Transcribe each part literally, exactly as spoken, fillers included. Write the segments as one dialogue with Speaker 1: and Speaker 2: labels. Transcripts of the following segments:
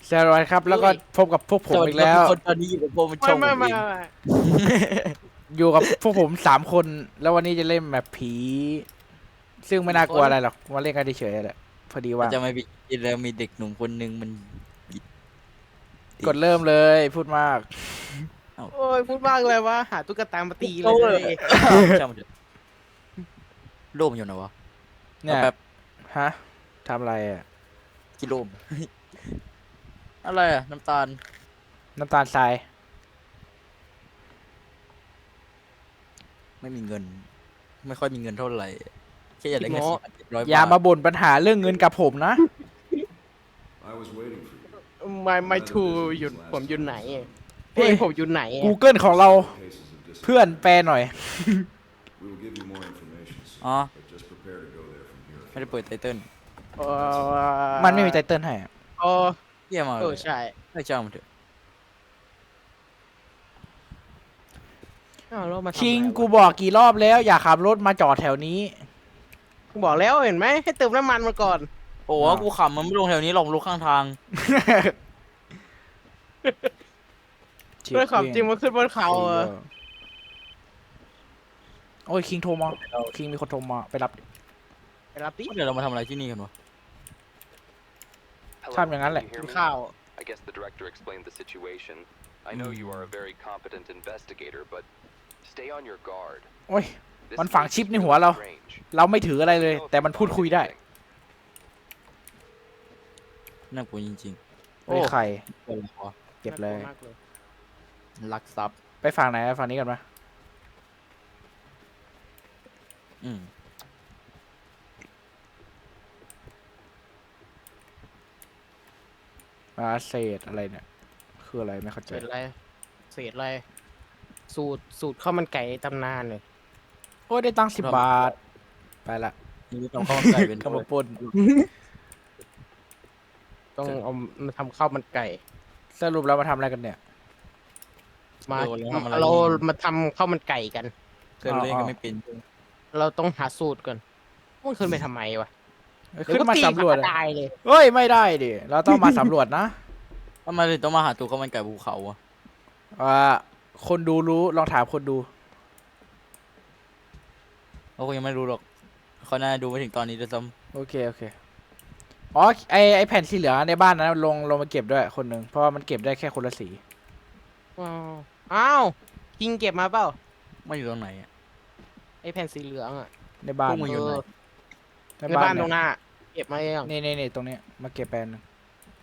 Speaker 1: สวัสดีครับแล้วก็พบกับพวกผมอีกแล้ว
Speaker 2: คนตอนนี้อยู่กับผมมันช่
Speaker 3: ไม่
Speaker 2: องผ
Speaker 3: ไม่
Speaker 2: มเอ
Speaker 3: ไม่
Speaker 2: ง
Speaker 3: ไม่
Speaker 1: อยู่กับพวกผมสามคน แล้ววันนี้จะเล่นแบบผี ซึ่งไม่น่ากลัวอะไรหรอกมาเล่นกันเฉยๆแหละพอดีว่า
Speaker 2: จะไม่มีแล้วมีเด็กหนุ่มคนหนึ่งมัน
Speaker 1: กดเริ่มเลยพูดมาก
Speaker 3: โอ้ยพูดมากเลยว่าหาตุ๊กตามาตีเล
Speaker 2: โอ้
Speaker 3: ย
Speaker 2: ช่างมันเถอะโล่มอยู่ไหนวะ
Speaker 1: เนี่ย
Speaker 2: แบบ
Speaker 1: ฮะทำอะไรอ่ะ
Speaker 2: กิโลม อะไรอะน้ำตาล
Speaker 1: น้ำตาลทราย
Speaker 2: ไม่มีเงิน ไม่ค่อยมีเงินเท่าไหร่แค่อยากได้แค่สี่พันเจ็ดร้อย
Speaker 1: อย่า
Speaker 2: บา
Speaker 1: มา
Speaker 2: ท
Speaker 1: บ่นปัญหาเรื่องเงินกับผมนะ
Speaker 4: I was waiting for you.
Speaker 3: ไม่ไม่ทูอยู่ผมอยู่ไหนเพลงผมอยู่ไหน
Speaker 1: Google ของเรา
Speaker 4: Cases of dis-
Speaker 1: เพื่อนแปลหน่อย
Speaker 4: We will give you more information soon,
Speaker 2: อ๋อ
Speaker 4: but just prepare to go there from here.
Speaker 2: ไม่ได้เปิดไตเติ้ล
Speaker 3: เออ
Speaker 1: มันไม่มีไตเติ้ลให้อะ
Speaker 3: เออ
Speaker 2: เยี่ยมมาก
Speaker 3: เอ
Speaker 2: เล
Speaker 3: อย ใช่
Speaker 2: ไม่ช่างมันเถอะ
Speaker 3: อ้าวแล้วมาทำ
Speaker 1: คิง
Speaker 3: อะไรวะ
Speaker 1: กูบอกกี่รอบแล้ว อย่าขับรถมาจอดแถวนี้
Speaker 3: กูบอกแล้วเห็นไหมให้เติมน้ำมันมาก่อน
Speaker 2: โอ้โหกูขำมันไม่ลงแถวนี้หรอกลงข้างทาง
Speaker 3: เพื่อขับจริงมาขึ้นบนเขาเออ
Speaker 1: โอ้ยคิงโทรมาคิงมีคนโทรมาไปรับ
Speaker 3: ไปรับดิ
Speaker 2: เดี๋ยวเรามาทำอะไรที่นี่กันวะ
Speaker 1: ทำอย่างนั้นแหละ
Speaker 3: กินข้าว
Speaker 5: I guess the director explained the situation. I know you are a very competent investigator, but stay on your guard.
Speaker 1: โอ้ย
Speaker 5: This
Speaker 1: มันฝัง
Speaker 5: case
Speaker 1: ชิป
Speaker 5: is
Speaker 1: ในหัวเรา
Speaker 5: really strange.
Speaker 1: เราไม่ถืออะไรเลย
Speaker 5: I don't know
Speaker 1: แต่
Speaker 5: if
Speaker 1: มัน
Speaker 5: you
Speaker 1: พูด
Speaker 5: found
Speaker 1: คุยได้
Speaker 5: anything.
Speaker 2: น่ากลัวจริง
Speaker 1: โอ้ยใคร
Speaker 2: ๆเป็นอะไรวะ
Speaker 1: เก็บเลย
Speaker 3: น่ากวมากเลย
Speaker 2: ลักทรัพย์
Speaker 1: ไปฝั่งไหนฝั่งนี้กันปะ
Speaker 2: อืม
Speaker 1: อาเศษอะไรเนี่ย คืออะไรไม่เข้าใจ
Speaker 3: เศษอะไรเศษอะไรสูตรสูตรข้าวมันไก่ตำนานเลย
Speaker 1: โอ้ยได้ตังค์สิบบาท ไปละ
Speaker 2: นี่ต้องเข้าใจเป็น
Speaker 1: ขโมยปน
Speaker 3: ต้องเอามาทำข้าวมันไก่
Speaker 1: สรุปเรามาทำอะไรกันเนี่ย
Speaker 3: มา
Speaker 2: เออแล้วทำอะไร
Speaker 3: เรามาทำข้าวมันไก่กัน
Speaker 2: เกินเล่นกันไม่เป็น
Speaker 3: เราต้องหาสูตรก่อนมันขึ้นไปทำไมวะ
Speaker 1: ขึ้นมาสำรวจ
Speaker 3: เดี๋ยก็ตี
Speaker 1: อะ
Speaker 3: ตายเลย
Speaker 1: เฮ้ยไม่ได้ดิ เราต้องมาสำรวจนะ
Speaker 2: ทำไมถึงต้องมาหาตัวข้าวมันไก่ภูเขาอะ
Speaker 1: อ่าคนดูรู้ลองถามคนดู
Speaker 2: เขาคงยังไม่รู้หรอกเขาน่าดูไม่ถึงตอนนี้ด้วยซ้
Speaker 1: โอเคโอเค อ๋อไอไอแผ่นสีเหลืองในบ้านนั้นลงลงมาเก็บด้วยคนหนึ่งเพราะว่ามันเก็บได้แค่คนละสี
Speaker 3: ว้าวอ้าวคิงเก็บมาเปล่า
Speaker 2: ำไม่อยู่ตรงไหนอะ
Speaker 3: ไอแผ่นสีเหลืองอ่ะ
Speaker 1: ในบ้าน
Speaker 2: พวกมึงอยู่ไหน
Speaker 3: เออในบ้านตรงหน้า เก็บมายัง
Speaker 1: นี่นี่นี่ตรงนี้มาเก็บแปลนหนึ่ง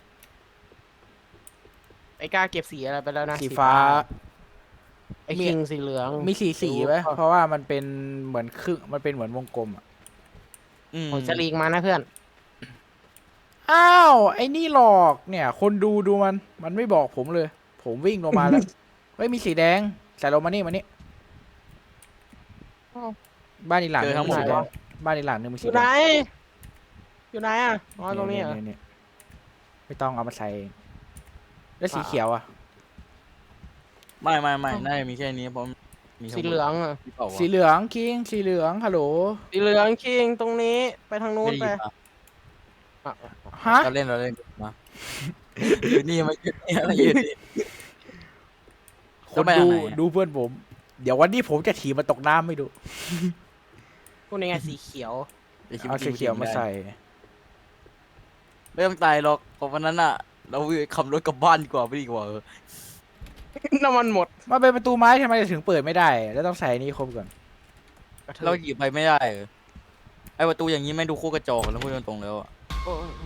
Speaker 3: ไอกล้าเก็บสีอะไรไปแล้วนะ
Speaker 1: สีฟ้า
Speaker 3: ไอคิงสีเหลือง
Speaker 1: มีสีสีไหม
Speaker 3: ดู
Speaker 1: เพราะว่ามันเป็นเหมือนครึ่งมันเป็นเหมือนวงกลมอ่ะ
Speaker 2: อืม
Speaker 3: ผมจะลีกมานะเพื่อน
Speaker 1: อ้าวไอ้นี่หลอกเนี่ย คนดูดูมัน มันไม่บอกผมเลย ผมวิ่งลงมาแล้ว เฮ้ยมีสีแดงใส่ลงมานี่มานี่
Speaker 3: อ้าว
Speaker 1: บ้านอีกหลังนึงมีสีแดง
Speaker 3: ไหนวะ
Speaker 1: บ้านอีกหลังนึงมี
Speaker 3: อ
Speaker 1: สี
Speaker 3: ยู่
Speaker 1: แด
Speaker 3: ไหน
Speaker 1: ง
Speaker 3: อยู่ไหนอ่ะอ๋อตรงนี้เหรอ
Speaker 1: นี่ๆไม่ต้องเอามาใส่เองแล้วสีเขียวอ่ะ
Speaker 2: ไม่ไม่ไม่น่าจะมีแค่นี้เพราะมี
Speaker 3: สีเหลืองอ่ะ
Speaker 2: ที่เปล่าวะ
Speaker 1: สีเหลืองคิงสีเหลืองฮัลโหล
Speaker 3: สีเหลืองคิงตรงนี้ไปทางนู้น
Speaker 2: ไม่
Speaker 3: ไป
Speaker 2: ได้ยินปะ
Speaker 3: อ่ะ
Speaker 1: ฮะ
Speaker 2: เราเล่นเราเล่นมาอยู่นี่มาอยู่นี่มาอยู่นี่
Speaker 1: คน
Speaker 2: แล้วไป
Speaker 1: ดู
Speaker 2: ทางไหนอะ
Speaker 1: ดูเพื่อนผม เดี๋ยววันนี้ผมจะถีบมันตกน้ำไม่ดู
Speaker 3: พวกนี้ไงสีเขียว
Speaker 2: ดี๋ยวคิด
Speaker 1: เอา
Speaker 2: จริ
Speaker 1: สี
Speaker 2: งๆ
Speaker 1: เขียวมาใส่
Speaker 2: ไม่ต้องตายหรอกเพราะวันนั้นอะเราขับรถกลับบ้านดีกว่าไม่ดีกว่าเออ
Speaker 3: น้ำมันหมด
Speaker 1: มาเป็นประตูไม้ทำไมถึงเปิดไม่ได้ แล้วต้องใส่นี่ครบก่อน
Speaker 2: เราหยิบไปไม่ได้เออไอประตูอย่างนี้ไม่ดูโคตรกระจอกแล้วพูดตรงๆแล้วอะ
Speaker 3: โอ้ย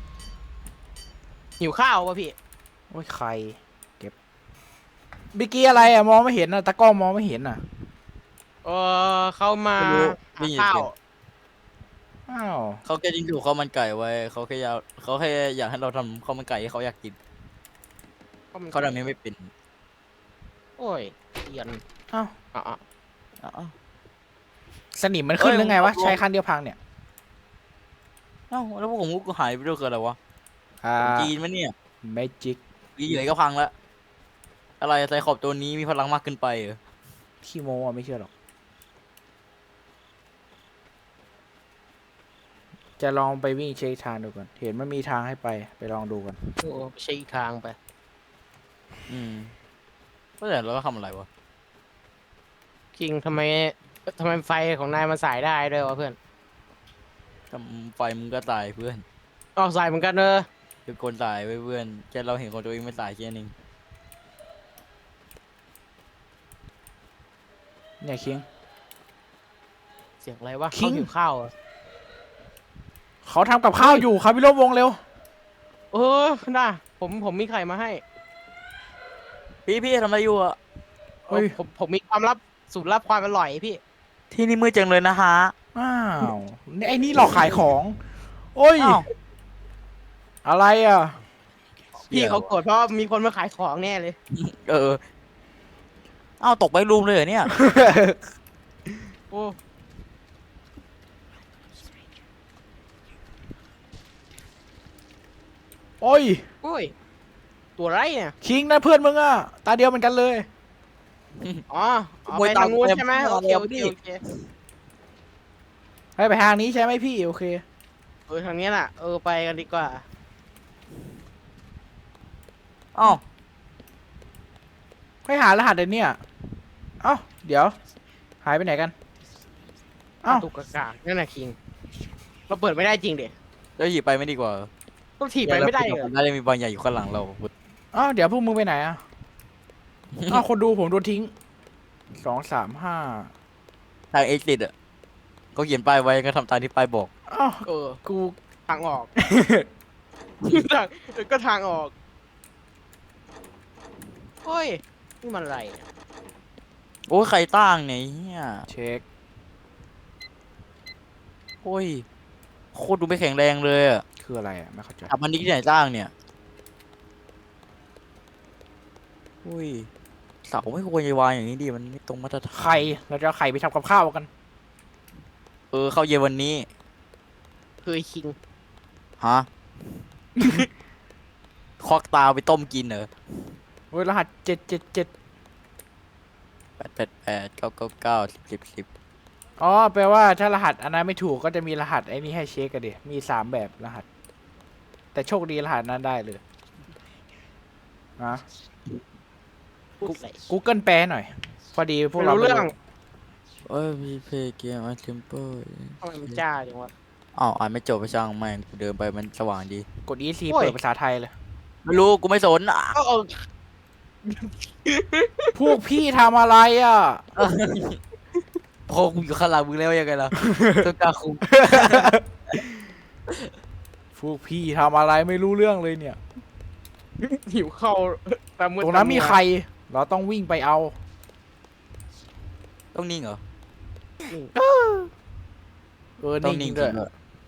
Speaker 3: หิวข้าวป่ะพี่
Speaker 1: โอ้ยใคร เก็บบิกกี้อะไรอ่ะมองไม่เห็นอ่ะตากล้องมองไม่เห็นอ่ะ
Speaker 3: เออเข้ามา
Speaker 2: ไม่รู้
Speaker 3: หา
Speaker 2: ไม่ยิน
Speaker 3: ข้า
Speaker 2: เสี
Speaker 3: วย
Speaker 2: ง
Speaker 1: อ้าว
Speaker 2: เขาแค่ยิงถูกข้าวมันไก่ไว้เขาแค่อยากเขาแค่อยากให้เราทำข้าวมันไก่ให้เขาอยากกินเขาทำนี้ไม่เป็น
Speaker 3: โอ้ยเอียน
Speaker 1: อ้าว
Speaker 3: อ่ะอ่ะ
Speaker 2: อ้าว
Speaker 1: สนิมมันขึ้น
Speaker 2: เอ้ย
Speaker 1: หรือไงวะ
Speaker 2: ผม
Speaker 1: ใช้คันเดียวพังเนี่ย
Speaker 2: อ้าวแล้วพวกผมก็หายไปด้วยคืออะไรวะ
Speaker 1: อ่า
Speaker 2: จีนมั้ยเนี่ย
Speaker 1: เมจิก
Speaker 2: ดีอยู่ไหนก็พังละอะไรไซคอบตัวนี้มีพลังมากขึ้นไปเหรอ
Speaker 1: ขี้โม้อ่ะไม่เชื่อหรอกจะลองไปวิ่งเช็คทางดูก่อน เห็นมันมีทางให้ไป ไปลองดูกัน
Speaker 3: โอ้ไปใช้อีกทางไป
Speaker 2: อืมก็แต่เราก็ทำอะไรวะ
Speaker 3: คิงทำไมทำไมไฟของนายมันสายได้ด้วยวะเพื่อน
Speaker 2: ทำไฟมึงก็ตายเพื่อน
Speaker 3: อ๋อสายเหมือนกันเนอะ
Speaker 2: คือคนตายไว้เพื่อนแค่เราเห็นคนตัวเองไม่ตายแค่นึง
Speaker 1: เนี่ยคิง
Speaker 3: เสียงอะไรวะ
Speaker 1: คิ
Speaker 3: เขา
Speaker 1: ง
Speaker 3: หิวข้าวเหรอ
Speaker 1: เขาทำกับข้าวอยู่ครับพี่ลบวงเร็ว
Speaker 3: เออน่าผมผมมีไข่มาให้
Speaker 2: พี่พี่ทำอะไรอยู่อะ
Speaker 1: เฮ้ย
Speaker 3: ผมผมมีความลับสูตรลับความอร่อยพี่
Speaker 2: ที่นี่มืดจังเลยนะฮะ
Speaker 1: อ้าวนี่ไอ้นี่หลอกขายของ โอ้ย
Speaker 2: อ้าว
Speaker 1: อะไรอ่ะ
Speaker 3: พี่เขาโกรธเพราะมีคนมาขายของแน่เลย
Speaker 2: เออเอ้าตกไปรูมเลยเหรอเนี่ย
Speaker 3: โอ้
Speaker 1: โอ้ย
Speaker 3: โอ้ยตัวไรเนี่ย
Speaker 1: คิงนั่นเพื่อนมึงอ่ะ ตาเดียวเหมือนกันเลย
Speaker 3: อ๋ออ๋อ
Speaker 2: มวย
Speaker 3: ไป
Speaker 2: ตาม
Speaker 3: ทางนู้น
Speaker 2: เต็ม
Speaker 3: ใช่ไหม
Speaker 2: ที่
Speaker 3: โอเค
Speaker 2: แล้ว
Speaker 3: โอเค
Speaker 2: พี่
Speaker 3: โอเค
Speaker 1: ให้ไปทางนี้ใช่ไหมพี่ โอเค
Speaker 3: เออทางนี้น่ะเออไปกันดีกว่า
Speaker 2: เอ้า
Speaker 1: ให้หารหัสเดี๋ยวเนี่ยเอ้า เดี๋ยว หายไปไหนกัน เอ้า
Speaker 3: ตุกกากากนั่นน่ะคิงเราเปิดไม่ได้จริงเด็
Speaker 2: แล้วหยิบไปไม่ดีกว่า
Speaker 3: ต้องถีบไปไม่ได้เหรอ
Speaker 2: น่าจะมีบางอย่างอยู่ข้างหลังเรา
Speaker 1: เอ้า เดี๋ยวพวกมึงไปไหนอ่ะ เอ้า คนดูผมโดนทิ้ง สองสามห้า
Speaker 2: ทางเอ็กซิสอ่ะก็เขียนป้ายไว้ก็ทำตามที่ป้ายบอก
Speaker 1: เอ้า
Speaker 3: เออ
Speaker 1: กู
Speaker 3: ทางออก ทางเออก็ทางออกโอ้ยนี่มันอะไรเนี่ย
Speaker 2: โอ้ยใครตั้งเนี่ยเฮีย
Speaker 1: เช็ค
Speaker 2: โอ้ยโคตรดูไม่แข็งแรงเลยอ่ะ
Speaker 1: คืออะไรอ่ะ ไม่เข้าใจ
Speaker 2: ทำอันนี้ที่ไหนสร้างเนี่ยอุ้ยเสาไม่ควรจะวางอย่างนี้ดิมันไม่ตรงมาตรฐาน
Speaker 1: ไข่ เราจะเอาไข่ไปทำกับข้าวกัน
Speaker 2: เออเข้าเย็นวันนี้
Speaker 3: เคยคิง
Speaker 2: ฮะ คอกตาไปต้มกินเหรอ
Speaker 1: โอ้ย รหัสเจ็ดเจ็ดเจ็ด
Speaker 2: แปดแปดแปดเก้าเก้าเก้าสิบสิบสิบ
Speaker 1: อ๋อ แปลว่าถ้ารหัสอันนั้นไม่ถูกก็จะมีรหัสไอ้นี่ให้เช็คกันดิมีสามแบบรหัส แต่โชคดีรหัสนั้นได้เลยอะ
Speaker 3: พูดใส่
Speaker 1: Google แปลหน่อย พอดีพวก
Speaker 3: ไม่
Speaker 1: เรา
Speaker 3: รู้
Speaker 1: ไม่
Speaker 3: เรื่อง
Speaker 2: โอ้ยพีเพย์เกมอัลเทมเปอร์
Speaker 3: ทำไมมันจ้าจังวะ
Speaker 2: อ้าวอ่านไม่จบไปช่างแม่งกูเดินไปมันสว่างดี
Speaker 1: กด อี ซี
Speaker 3: โอ้ย
Speaker 1: เปิดภาษาไทยเลย
Speaker 2: ไม่รู้กูไม่สนอ่ะ
Speaker 3: เออเออ
Speaker 1: พวกพี่ทำอะไรอ่ะ
Speaker 2: พอกูอยู่ข้างหลังมึงแล้วยังไงล่ะ ตัวกลางคุม
Speaker 1: พวกพี่ทำอะไรไม่รู้เรื่องเลยเนี่ย
Speaker 3: หิวเข้าวตามมือ
Speaker 1: ตรงนั้นมีใคร เราต้องวิ่งไปเอา
Speaker 2: ต้องนิ่งเหรอ
Speaker 1: เออ
Speaker 2: ต้อ
Speaker 1: นี่
Speaker 2: ง
Speaker 1: จ
Speaker 2: นิ่
Speaker 1: ริ
Speaker 2: ง
Speaker 1: งด้วย
Speaker 2: จริงด้วย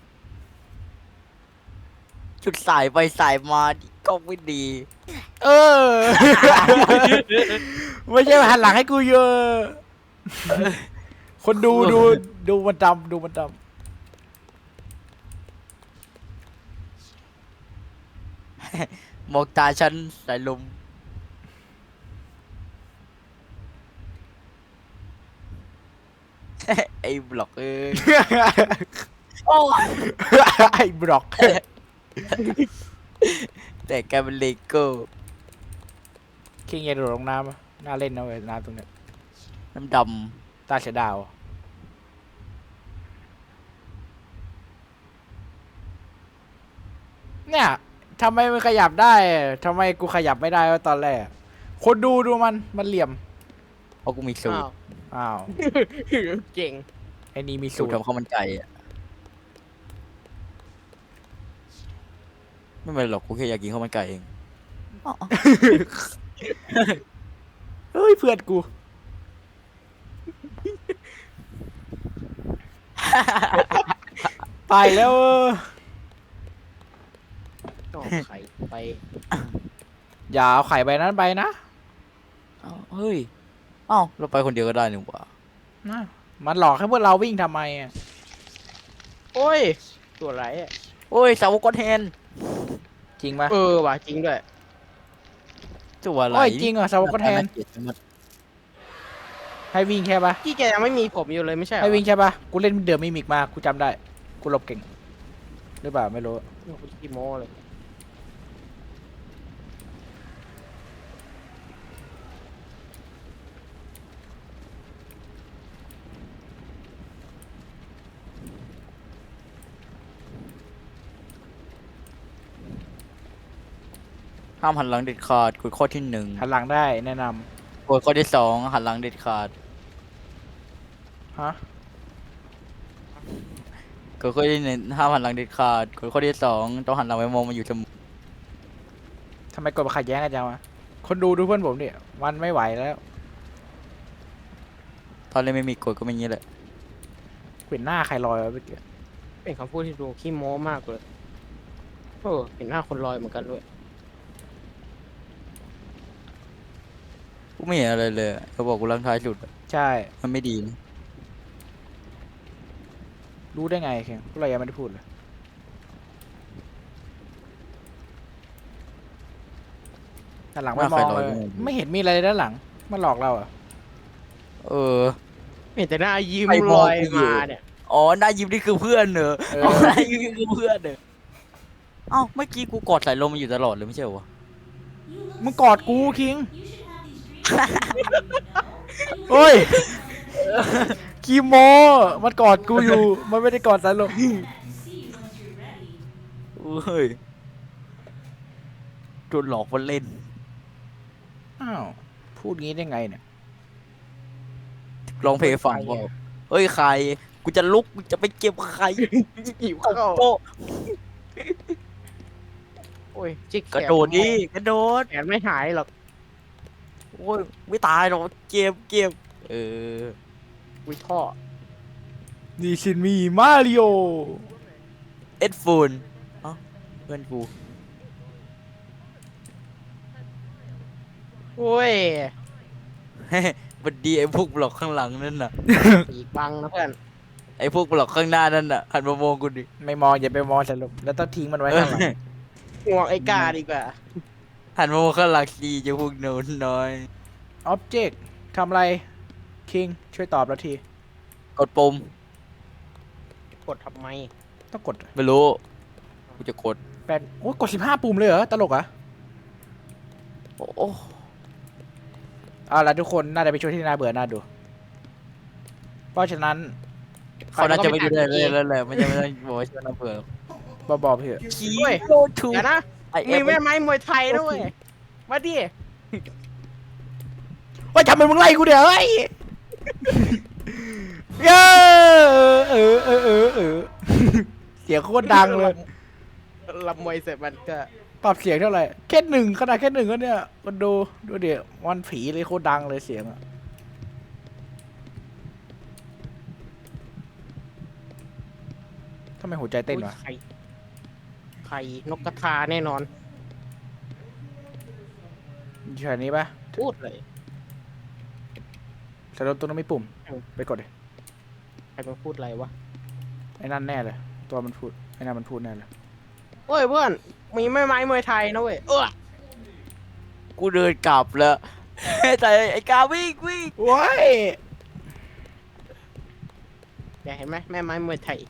Speaker 2: จุดสายไปสายมาดิก็ไม่ดี
Speaker 1: เออ ไม่ใช่หันหลังให้กูเยอะ คนดูดูดูมันดำดูมันด
Speaker 2: มองตาฉันสายลม ไอ้บล็อกเอ้ย
Speaker 1: ำ
Speaker 2: โอ้
Speaker 1: ไอ้บล็อก
Speaker 2: แต่กลายเป็นเลโก้
Speaker 1: คิงอย่าโดดลงน้ำอะน่าเล่นนะเว้ยน้ำตรงเนี้ย
Speaker 2: น้ำด
Speaker 1: ตาเสียดาวอะเนี่ยทำไมมันขยับได้ทำไมกูขยับไม่ได้วะตอนแรก คนดูดูมันมันเหลี่ยม
Speaker 2: ำเพราะกูมีสูต
Speaker 3: อ้าร ว
Speaker 1: อ้าว
Speaker 3: เก่ง
Speaker 1: ไอ้นี่มี
Speaker 2: สู
Speaker 1: สู
Speaker 2: ต
Speaker 1: ต
Speaker 2: ร
Speaker 1: ร
Speaker 2: ทำข้าวมันไก่อะไม่เป็นไรหรอกกูแค่อยากกินข้าวมันไก่เอง
Speaker 1: เฮ้ยเพื่อนกู ไปแล้วเออ
Speaker 3: ต่อไข่ไป
Speaker 1: อย่าเอาไข่ใบนั้นไปนะ
Speaker 2: อ้าวเฮ้ยเอ้าเราไปคนเดียวก็ได้นี่หว่า
Speaker 1: นะมันหลอกให้พวกเราวิ่งทำไมอะ
Speaker 3: โอ้ย ตัวไรอ่ะ
Speaker 2: โอ้ยสาวกดแทน
Speaker 1: จริงปะ
Speaker 3: เออว่ะจริงด้วย
Speaker 2: ตัวอะไร
Speaker 1: โอ้ยจริงเหรอสาวกแทน
Speaker 2: าเกลียดจังหมด
Speaker 1: ให้วิ่งแค่ปะ
Speaker 3: พี่แกยังไม่มีผมอยู่เลยไม่ใช่เหรอ
Speaker 1: ให้วิ่งใช่ปะกูเล่นเดอะมิมิกมากูจำได้ กูหลบเก่งหรือเปล่าไม่รู้
Speaker 3: โอ้โหขี้โม้เลย
Speaker 2: ห้ามหันหลังเด็ดขาดกฎข้อที่หนึ่ง
Speaker 1: หันหลังได้แนะน
Speaker 2: กฎข้อที่สองหันหลังเด็ดขาด
Speaker 1: ำฮะ
Speaker 2: กฎข้อที่หนึ่งห้ามหันหลังเด็ดขาดกฎข้อที่สองต้องหันหลังไปมองมันอยู่เสมอ
Speaker 1: ทำไมกดมาขัดแย้งกันจังวะคนดูดูเพื่อนผมเนี่ยมันไม่ไหวแล้ว
Speaker 2: ตอนเล่นไม่มีกฎก็เป็นอย่างนี้แหละ
Speaker 1: เห็นหน้าใครลอยวะเมื่อกี้
Speaker 3: เป็นคำพูดที่ดูขี้โม้มากเลยโอ้เห็นหน้าคนลอยเหมือนกันด้วย
Speaker 2: กูไม่เห็นอะไรเลยเขาบอกกูลังท้ายสุดอะ
Speaker 1: ใช่
Speaker 2: มันไม่ดีนะ
Speaker 1: รู้ได้ไงเข่งพวกเรายังไม่ได้พูดเลยด้านหลังไม่มองเลยไม่เห็นมีอะไรเลยด้านหลังมันหลอกเราเหรอ่ะ
Speaker 2: เออ
Speaker 3: เห็นแต่หน้ายิ้ม
Speaker 2: ไปม
Speaker 3: ล
Speaker 2: อง
Speaker 3: อย
Speaker 2: กูอยู่
Speaker 3: มาเนี่ย
Speaker 2: อ๋อหน้ายิ้มนี่คือเพื่อนเหรอ
Speaker 1: เอ
Speaker 2: อ๋อ
Speaker 1: อ
Speaker 2: หน้ายิ้มนี่คือเพื่อนเหรอเอ้าเมื่อกี้กูกอดสายลมมาอยู่ตลอดเลยไม่ใช่เหรอวะ
Speaker 1: มึงกอดกูคิงโอ้ยคีโมมันกอดกูอยู่มันไม่ได้กอดสายลม
Speaker 2: เฮ้ยโดนหลอกมาเล่น
Speaker 1: อ้าวพูดงี้ได้ไงเนี่ย
Speaker 2: ร้องเพลงให้ฟังบอกเฮ้ยใครกูจะลุกกูจะไปเก็บใคร
Speaker 3: หิว
Speaker 2: ตบ
Speaker 3: เข้า
Speaker 2: โต๊ะ
Speaker 3: โอ้ยจิก
Speaker 2: กระโดดดิกระโดด
Speaker 3: แขนไม่หายหรอก
Speaker 2: โอ้ยไม่ตายหรอกเก็บเก็บเออ
Speaker 3: วิท่อ
Speaker 1: นี่ชินมีมาริโอ
Speaker 2: เอ็ดฟูนเอ้าเพื่อนกู
Speaker 3: โอ้ย
Speaker 2: บัดดีไอ้พวกบล็อกข้างหลังนั่นน่ะ
Speaker 3: อีกบังนะเพื่อน
Speaker 2: ไอ้พวกบล็อกข้างหน้านั่นน่ะหันมามองกูดิ
Speaker 1: ไม่มองอย่าไปมองสายลมแล้วต้องทิ้งมันไว้ข้างหลัง
Speaker 3: ห่วงไอ้กาดีกว่า
Speaker 2: หันมามองข้างหลังดีจะพวกโน้นน้อย
Speaker 1: ออบเจกต์ทำอะไรคิงช่วยตอบเราที
Speaker 2: กดปุ่ม
Speaker 3: กดทำไม
Speaker 1: ต้องกด
Speaker 2: ไม่รู้กูจะกด
Speaker 1: แปดโอ้ยกดสิบห้าปุ่มเลยเหรอตลกเหรอ่ะ
Speaker 2: โอ้โอ้
Speaker 1: เอาละทุกคนน่าจะเป็นช่วงที่น่าเบื่อน่าดู เพราะฉะนั้น
Speaker 2: เขาน่าจะไม่ดูได้เลยแล้วแหละไม่ใช่ไม่ได้บอกว่าชวนน้ำเผื่อ
Speaker 1: บอๆเพื่อะ
Speaker 2: คี
Speaker 3: เว้ย
Speaker 2: โกทู
Speaker 3: เดี๋ยวนะ
Speaker 2: ไอเอ
Speaker 3: มี
Speaker 2: ฟ
Speaker 3: แม่ไม้มวยไทยด้วยมาดิ
Speaker 1: ว่าทำไมมึงไล่กูเดี๋ยวไอ้ยเออเออเออเออเออเสียงโคตรดังเลย
Speaker 3: ลำมวยเสร็จมันก็
Speaker 1: ปรับเสียงเท่าไหร่แค่หนึ่งขนาดแค่หนึ่งก็เนี่ยมันดูดูเดี๋ยววันผีเลยโคตรดังเลยเสียงอะทำไมหัวใจเต้นวะ
Speaker 3: ไข่ไข่นกกระทาแน่นอน
Speaker 1: อยู่แถวนี้ปะ
Speaker 3: พูดเลย
Speaker 1: แต่รถตัวนั้นไม่ปุ่ม
Speaker 3: เออ
Speaker 1: ไปกดดิ
Speaker 3: ใครมาพูดอะไรวะ
Speaker 1: ไอ้นั่นแน่เลย ตัวมันพูดไอ้นั่นมันพูดแน่เลย
Speaker 3: โอ้ยเพื่อนมีแม่ไม้มวยไทยนะเว้ยเออ
Speaker 2: กูเดินกลับแล้ว แต่ไอ้กาวิ่งวิ่ง
Speaker 1: ว้าย
Speaker 3: อยากเห็นไหมแม่ไม้มวยไทย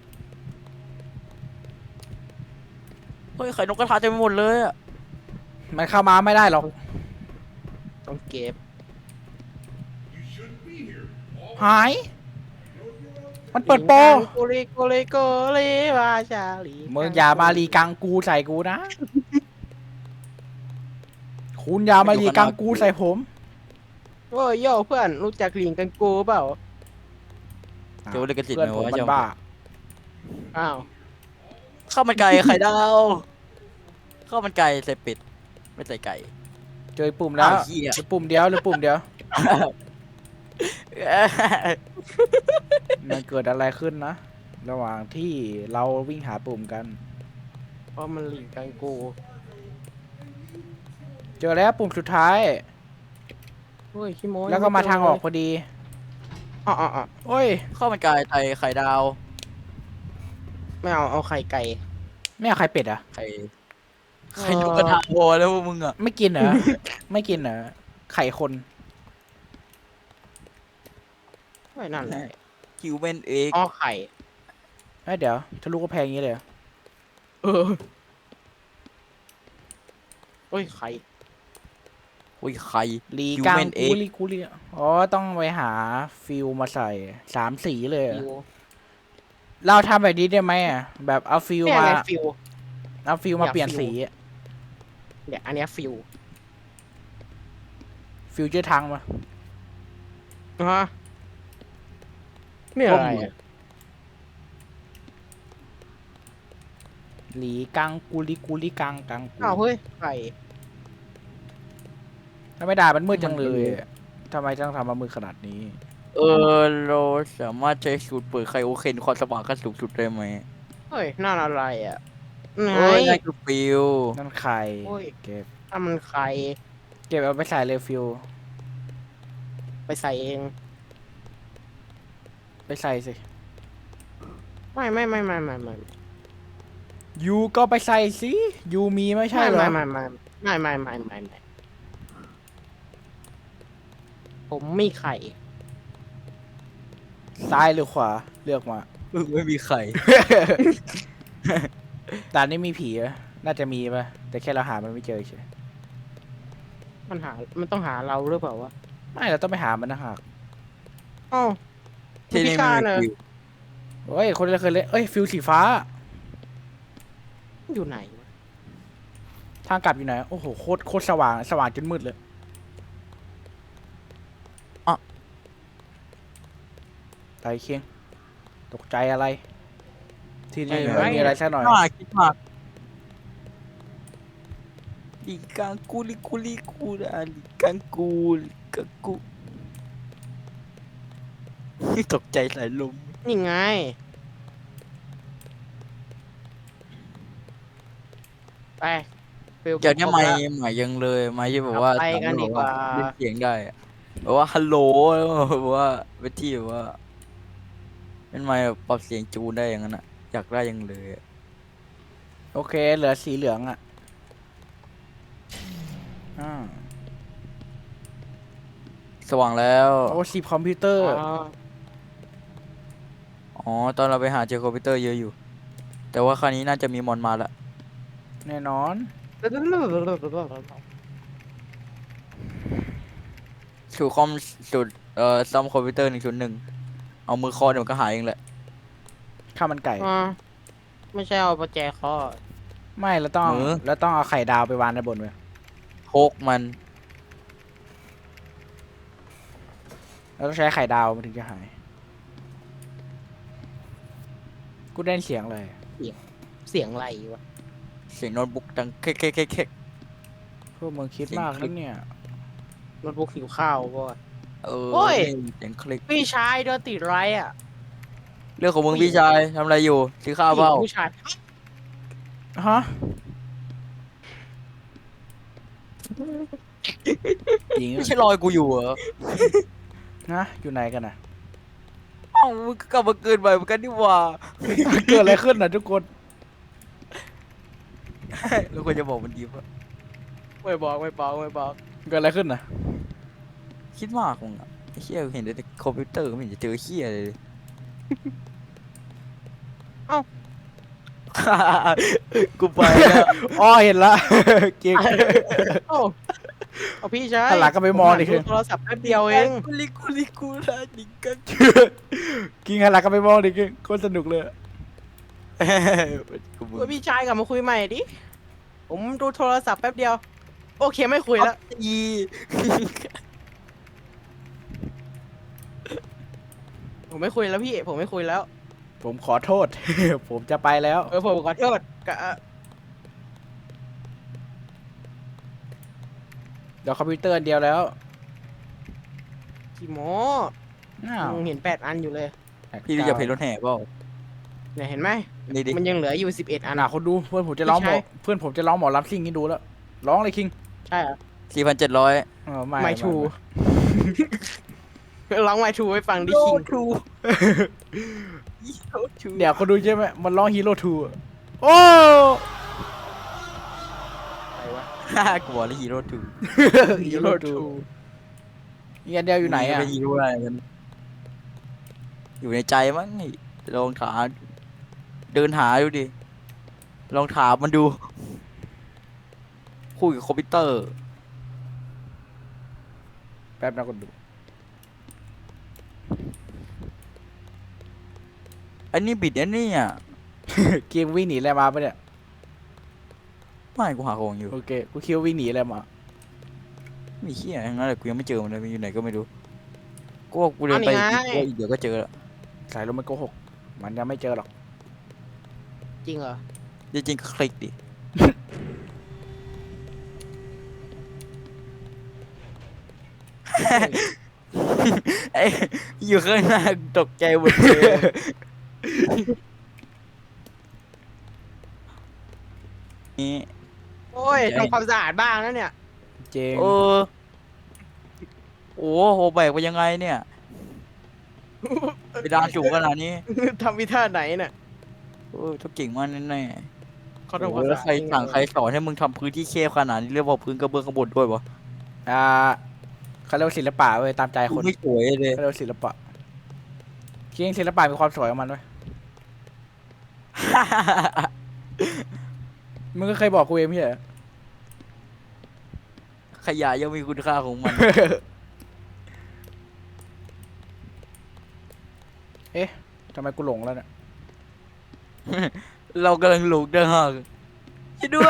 Speaker 2: เฮ้ยไข่นกกระทาเต็มไปหมดเลยอะ
Speaker 1: มันเข้ามาไม่ได้หรอก
Speaker 3: ต้องเก็บ
Speaker 1: หาย มันเปิดโปร
Speaker 3: โกเลโกเลโกเลวาชาลี
Speaker 1: มึงอย่ามารีกังกูใส่กูนะ คุณอย่ามารีกังกูใส่ผม
Speaker 3: โอ้ยโย่เพื่อนรู้จักลิงกังกูเปล่า
Speaker 2: เดี๋ยวเลยกระสิทธิ์
Speaker 1: เพื่อน
Speaker 2: ไหม
Speaker 1: ผม
Speaker 2: วะ
Speaker 1: มัน
Speaker 2: เจ้า
Speaker 1: บ้า
Speaker 3: อ้าว
Speaker 2: ข้าวมันไก่ไข่ดาวข้าวมันไก่ใส่เป็ดไม่ใส่ไก่
Speaker 1: เจอปุ่มแล้ว
Speaker 2: อ้าวเหี้ย
Speaker 1: หรือปุ่มเดียวหรือปุ่มเดียว มันเกิดอะไรขึ้นนะ ระหว่างที่เราวิ่งหาปุ่มกัน
Speaker 3: เพราะมันลิงกังกู
Speaker 1: เจอแล้วปุ่มสุดท้าย
Speaker 3: โอ้ยขี้โม้
Speaker 1: แล้วก็มาทางออกพอดี
Speaker 3: อ๋ออ๋ออ๋อ
Speaker 1: โอ้ย
Speaker 2: ข้าวมันไก่ไข่ไข่ดาว
Speaker 3: ไม่เอาเอาไข่ไก่
Speaker 1: ไม่เอาใครเป็ดอ่ะ
Speaker 2: ไข่ไข่นกกระทาพอแล้วพวกมึงอ่ะ
Speaker 1: ไม่กินเหรอ ไม่กินเหรอ ไข่คน
Speaker 3: ไม่นั่นแหละ
Speaker 2: คิวเมนเอก
Speaker 3: อ๋อไข่
Speaker 1: เอ้ยเดี๋ยวทะลุกระแพงอย่างนี้เลยเหรอ
Speaker 3: เออโอ้ยใคร
Speaker 2: โอ้ยใคร
Speaker 1: ลีกัง
Speaker 2: Human
Speaker 1: กู
Speaker 2: Egg
Speaker 1: ลีกูลีอ๋อต้องไปหาฟิลมาใส่สามสีเลยอะ
Speaker 3: ฟิว
Speaker 1: เราทำแบบนี้ได้ไหมอ่ะแบบเอาฟิล
Speaker 3: เนี่ย
Speaker 1: มา
Speaker 3: ไงฟิว
Speaker 1: เอาฟิลมา
Speaker 3: อยาก
Speaker 1: เปลี่ยน
Speaker 3: ฟิล
Speaker 1: สีอะ
Speaker 3: เนี่ยอันเนี้ยฟิว
Speaker 1: ฟิลเจอร์ทังมา
Speaker 3: ฮะเนี่ยอะไรอะ
Speaker 1: หลีกังกูลีกูลีกังกังกู
Speaker 3: อ้าวเฮ้ยใคร
Speaker 1: ทำไมด่ามันมืดจังเลยอะทำไมต้องทำมามืดขนาดนี้
Speaker 2: เออเราสามารถใช้สูตรเปิดไคโอเคนความสว่างขั้นสูงสุดได้ไหม
Speaker 3: เฮ้ยนั่นอะไรอ่ะไหน
Speaker 2: เอ้ยนั่นคือฟิว
Speaker 1: นั่นใคร
Speaker 3: โอ้ย
Speaker 1: เก็บ
Speaker 3: ถ้ามันใคร
Speaker 1: เก็บเอาไปใส่เลยฟิล
Speaker 3: ไปใส่เอง
Speaker 1: ไปใส่สิ
Speaker 3: ไม่ไม่ไม่ไม่ไม่ไม่
Speaker 1: ยูก็ไปใส่สิยูมีไม่ใช่เหรอ
Speaker 3: ไม่ไม่ไม่ไม่ไม่ไม่ไม่ไม่ผมมีไข่
Speaker 1: ซ้ายหรือขวาเลือกมา
Speaker 2: ไม่มีใคร
Speaker 1: ด่านนี้มีผีไหมน่าจะมีป่ะแต่แค่เราหามันไม่เจอเฉย
Speaker 3: มันหา มันต้องหาเราหรือเปล่าวะ
Speaker 1: ไม่เราต้องไปหามันนะฮะ
Speaker 3: อ้าว
Speaker 2: ที่นี่
Speaker 3: พิ
Speaker 2: ไม่
Speaker 3: การ
Speaker 2: มี
Speaker 3: เลย
Speaker 2: ฟิว
Speaker 1: เฮ้ยคนเราเคยเล่นเอ้ยฟิลสีฟ้า
Speaker 3: อยู่ไหนวะ
Speaker 1: ทางกลับอยู่ไหนโอ้โหโคตรโคตรสว่างสว่างจนมืดเลยไอ้เคียงตกใจอะไร ที่นี่ไม่มีอะไรสักหน่อย
Speaker 2: น่าคิดมากลีกังกูลีกูลีกูนะลีกังกูลีกังกู ตกใจสายลม
Speaker 3: นี่ไง ไปฟิล
Speaker 2: เดี๋ยวนี้
Speaker 3: ครบ
Speaker 2: ไม่
Speaker 3: ละ
Speaker 2: ใหม่ยังเลยไม่ใช่แบบว่า
Speaker 3: ไปกันดีกว่า
Speaker 2: เล่นเสียงได้อะแบบว่าฮัลโหลแบบว่าเวทีแบบว่าเป็นไมค์แบบปรับเสียงจูนได้อย่างนั้นอะอยากได้ยังเลยอะ
Speaker 1: โอเคเหลือสีเหลืองอ่ะอ่า
Speaker 2: สว่างแล้ว
Speaker 1: โอ้สีคอมพิวเตอร์
Speaker 3: อ๋อ
Speaker 2: อ๋อตอนเราไปหาเจอคอมพิวเตอร์เยอะอยู่ แต่ว่าคราวนี้น่าจะมีมอนมาละ
Speaker 1: แน่นอน
Speaker 2: สูตรคอมสูตรเอ่อซ่อมคอมพิวเตอร์หนึ่งศูนย์หนึ่งเอามือเคอเดี๋ยวมันก็หายเองแหละ
Speaker 1: ข้าวมันไก่
Speaker 3: อ๋อไม่ใช่เอาประแจเคอ
Speaker 1: ไม่เราต้องเราต้องเอาไข่ดาวไปวางในบนไว้
Speaker 2: โคกมัน
Speaker 1: เราต้องใช้ไข่ดาวมันถึงจะหาย กูได้ยินเสียงเลย
Speaker 3: เสียงอะไรวะ
Speaker 2: เสียงโน้ตบุ๊กดังเค้กเค้กเค้กเค้ก
Speaker 1: พวกมึงคิดมากนะเนี่ย
Speaker 3: โน้ตบุ๊กหิวข้าวป่ะ
Speaker 2: เออ
Speaker 3: โอ้ย
Speaker 2: เสียงคลิก
Speaker 3: พี่ชายโดนติดไรอ่ะ
Speaker 2: เรื่องของมึงพี่ชายทำอะไรอยู่ซื้อข้าวเปล่า
Speaker 3: ผู้ชาย
Speaker 1: ฮะจริง
Speaker 2: ไม่ใช่รอยกูอยู่เหรอ
Speaker 1: นะอยู่ไหนกันนะ
Speaker 2: เอ้ามึงก็กลับมาเกินไปเหมือนกันนี่หว่า
Speaker 1: เกิดอะไรขึ้นนะทุกคน
Speaker 2: แล้วควรจะบอกมันดีป่ะ
Speaker 3: ไม่บอกไม่บอกไม่บอก
Speaker 1: เกิดอะไรขึ้นนะ
Speaker 2: คิดมากมึงอะไอ้เหี้ยเห็นแต่คอมพิวเตอร์ไม่เห็นจะเจอเหี้ยเลย
Speaker 3: เอ้า
Speaker 2: กูไปแล้ว
Speaker 1: อ๋อเห็นละ เก่ง
Speaker 3: โอ้เอาพี่ชาย
Speaker 1: หันหลังก็ไปมองดิ
Speaker 3: ผหันดูโทรศัพท์แป๊บเดียวเอง
Speaker 2: กูลิกูลิกูละดิกัน
Speaker 1: กินหันหลังก็ไปมองดิกิงโคตรสนุกเลย
Speaker 2: กูมึง
Speaker 3: เฮ้ยพี่ชายกลับมาคุยใหม่ดิ ผมดูโทรศัพท์แป๊บเดียว โอเคไม่คุยแล้ว
Speaker 2: อี
Speaker 3: ผมไม่คุยแล้วพี่ ผมไม่คุยแล้ว
Speaker 1: ผมขอโทษ ผมจะไปแล้ว
Speaker 3: เออผมขอโทษกะ
Speaker 1: เดี๋ยวคอมพิวเตอร์อันเดียวแล้ว
Speaker 3: ขี้โม
Speaker 1: อ้าว
Speaker 3: ยังเห็นแปดอันอยู่เลย
Speaker 2: พี่รู้จักเพลงรถแห่เปล่า
Speaker 3: เนี่ยเห็นไหม
Speaker 2: นี่ดิ
Speaker 3: มันยังเหลืออยู่สิบเอ็ดอัน
Speaker 1: อ่ะคนดูเพื่อนผมจะร้องหมอ
Speaker 3: ไม่ใช่
Speaker 1: เพื่อนผมจะร้องหมอลำซิ่งให้ดูแล้ว ร้องเลยคิง
Speaker 3: ใช่เหรอ
Speaker 2: สี่พันเจ็ดร้อย
Speaker 1: เออไม่
Speaker 3: ไม่ทู ร้องไมทูให้ฟังดิคิง
Speaker 2: ทู
Speaker 1: เดี๋ยวคนดูใช่ไหมมันร้องฮีโร่ทูโอ้
Speaker 3: อะไรวะ
Speaker 2: ฮ่ากูบอกเลยฮีโร่ทู
Speaker 1: ฮีโร่ทูอีกอันเดียวอยู่ไหนอ่ะ
Speaker 2: เป็นฮีโร่อะไรกัน อยู่ในใจมั้งไอ้ลองหาเดินหาดูดิลองถามมันดู คุยกับคอมพิวเตอร์
Speaker 1: แป๊บนะคนดู
Speaker 2: อันนี้บิดอันนี้อ่ะ
Speaker 1: เกมวิ่งหนีอะไรมาปะเนี่ย
Speaker 2: ไม่กูหาของอยู่
Speaker 1: โอเคกูคิดว่าวิ่งหนีอะไรมา
Speaker 2: มีเขี้ยอย่างนั้นแต่กูยังไม่เจอมันเลยมันอยู่ไหนก็ไม่รู้กูว่ากูเดินไปอีกเดี๋ยวก็เจอแล้ว
Speaker 1: สายลมมันโกหก มันยังไม่เจอหรอก
Speaker 3: จริงเหรอ
Speaker 2: จริงๆก็คลิกดิ ไอ้อยู่ข้างหน้าตกใจหมดเลยนี่
Speaker 3: โอ้ยทำความสะอาดบ้างนะเนี่ย
Speaker 1: เจง
Speaker 2: เออโอ้โหแบกไปยังไงเนี่ยไปดานสูงขนาดนี้
Speaker 3: ทำวิท่าไหนเนี่ย
Speaker 2: เออต้องเก่งมากแน่
Speaker 3: เขา
Speaker 2: ๆ
Speaker 3: ทำค
Speaker 2: โอ้
Speaker 3: วาม
Speaker 2: แล้
Speaker 3: สะ
Speaker 2: ว
Speaker 3: อาด
Speaker 2: ใครสั่งใครสอนให้มึงทำพื้นที่แคบขนาดนี้เรียกว่าพื้นกระเบื้องข้างบนด้วยวะ
Speaker 1: อ่าเขาเรียกว่าศิลปะเว้ยตามใจคน
Speaker 2: ไม่สวยเลย
Speaker 1: เขาเรียกว่าศิลปะจริงศิลปะมีความสวยของมันเว้ยมึงก็เคยบอกกูเองไม่ใช่เหรอ
Speaker 2: ขยะยังมีคุณค่าของมัน
Speaker 1: เอ๊ะทำไมกูหลงแล้วเนี่ย
Speaker 2: เรากำลังหลงเด้อฮะช่วยด้วย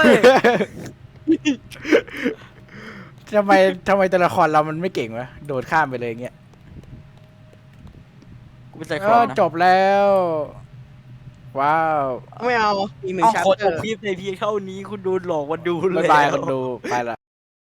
Speaker 1: ทำไมทำไมตัวละครเรามันไม่เก่งวะโดดข้ามไปเลยอย่างเงี้ย
Speaker 2: กูเป็นไซค
Speaker 1: เอ
Speaker 2: ลอ
Speaker 1: อน
Speaker 2: นะ
Speaker 1: จบแล้ว ว้าว
Speaker 3: ไม่เอา อีกหนึ่ง
Speaker 2: เอา
Speaker 3: ชัป
Speaker 2: ขอ
Speaker 3: เต
Speaker 2: จ
Speaker 3: อบ ร์
Speaker 2: คลิปในเพียงเท่านี้คุณโดนหลอกมาดู
Speaker 1: บ๊าย
Speaker 2: เลย
Speaker 1: บายคนดูไปละ